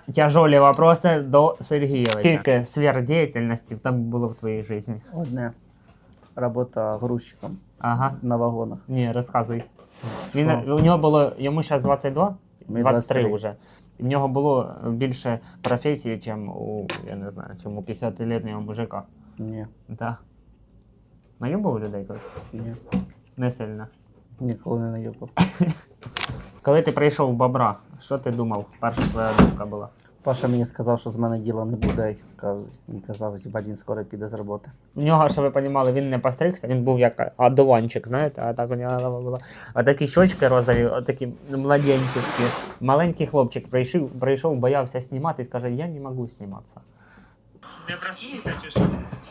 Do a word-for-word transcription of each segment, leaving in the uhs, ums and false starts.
тяжолі вопроси до Сергійовича. Скільки сфер діяльності там було в твоїй житті? Одне. Робота грузчиком Ага. на вагонах. Ні, розказуй. Що? Він, у нього було, йому зараз двадцять два? Мені двадцять три двадцять три. вже. І в нього було більше професії, ніж у, я не знаю, чим у п'ятдесятилітнього мужика. Ні, Так. Найобав людей колись? ні. Не сильно. Ніколи не наїбав. Коли ти прийшов в Бобра, що ти думав? Перша твоя думка була? Паша мені сказав, що з мене діла не буде. Він казав, що він скоро піде з роботи. У нього, щоб ви розуміли, він не постригся, він був як одуванчик, знаєте, а так у нього голова була. А такі щочки розові, отакі младенчиські. Маленький хлопчик прийшов, прийшов, боявся знімати і скаже, я не можу зніматися. Не проснувся чи що?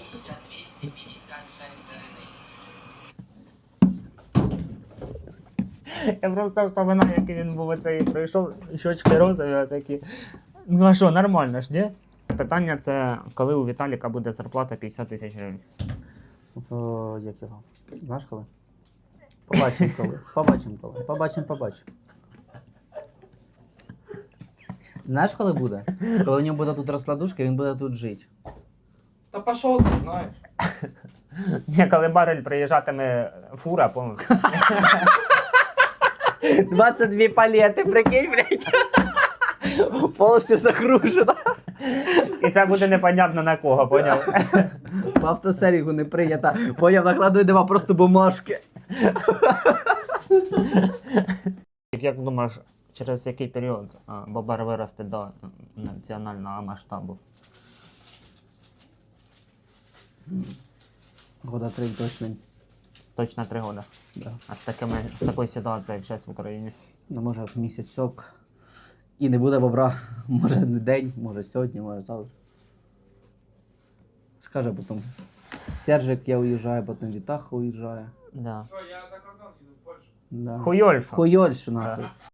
Я просто вспоминаю, який він був оцей, прийшов, щочки розові, такі. Ну а що, нормально ж, ні? Питання це, коли у Віталіка буде зарплата п'ятдесят тисяч гривень? В, як його? Знаєш коли? Побачимо коли. Побачимо коли. Побачимо, побачимо. Знаєш, коли буде? Коли у нього буде тут розкладушка, він буде тут жити. Та пошел ти, знаєш. Ні, коли барель приїжджатиме фура, помню. двадцять дві палети, прикинь, блядь. Повністю загружена. І це буде непонятно на кого, поняв? В автосерігу не прийнято. Поняв, накладує нема просто бумажки. Як думаєш, через який період а, Бобер виросте до національного масштабу? Года три точно. Точно три роки. Да. А з, такими, з такою ситуацією, як зараз в Україні? Ну, може, місяць сок. І не буде бобра. Може, не день, може сьогодні, може завтра. Скаже потім. Сержик, я уїжджаю, потім Вітаха уїжджає. Да. Що, я за кордон їду в Польщу. Да. Хуйольфа. Хуйольшу, нахуй.